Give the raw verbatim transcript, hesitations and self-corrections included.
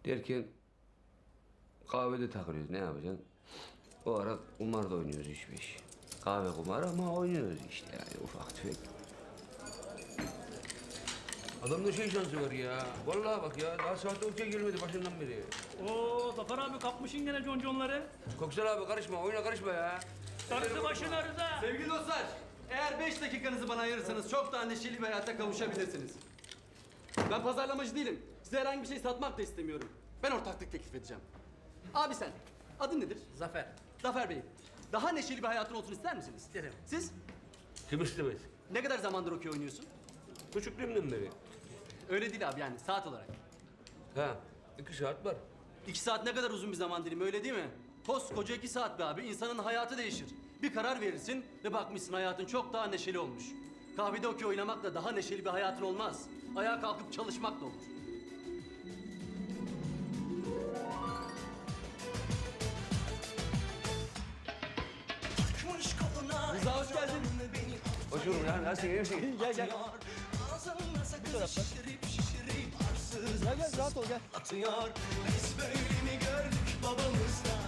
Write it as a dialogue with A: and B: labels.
A: Derken kahvede takılıyoruz. Ne yapacaksın? O ara kumar da oynuyoruz üç beş. Kahve kumarı ama oynuyoruz işte yani ufak tefek. Adamda şey şansı var ya. Vallahi bak ya daha sahte ortaya gelmedi başından beri.
B: Oo Zafer abi kapmışın gene conconları.
A: Koksal abi karışma, oyuna karışma ya.
B: Darısı başına Rıza.
C: Sevgili dostlar, eğer beş dakikanızı bana ayırırsanız çok daha neşeli bir hayata kavuşabilirsiniz. Ben pazarlamacı değilim. Size herhangi bir şey satmak da istemiyorum. Ben ortaklık teklif edeceğim. Abi sen, adın nedir?
B: Zafer.
C: Zafer Bey, daha neşeli bir hayatın olsun ister misiniz?
B: İsterim.
C: Siz?
A: Kim istemez?
C: Ne kadar zamandır okey oynuyorsun?
A: Küçüklüğümden beri.
C: Öyle değil abi yani saat olarak.
A: Ha, iki saat var.
C: İki saat ne kadar uzun bir zaman dilimi öyle değil mi? Koskoca iki saat be abi, insanın hayatı değişir. Bir karar verirsin ve bakmışsın hayatın çok daha neşeli olmuş. Kahvede okey oynamakla daha neşeli bir hayatın olmaz. Ayağa kalkıp çalışmak da olur. Rıza hoş geldin.
A: Hoş bulduk ya, nasılsın, iyi misin?
C: Gel gel.
D: Bu taraftan. Gel gel rahat ol gel.
E: Atıyor. Biz böyle mi gördük babamızdan?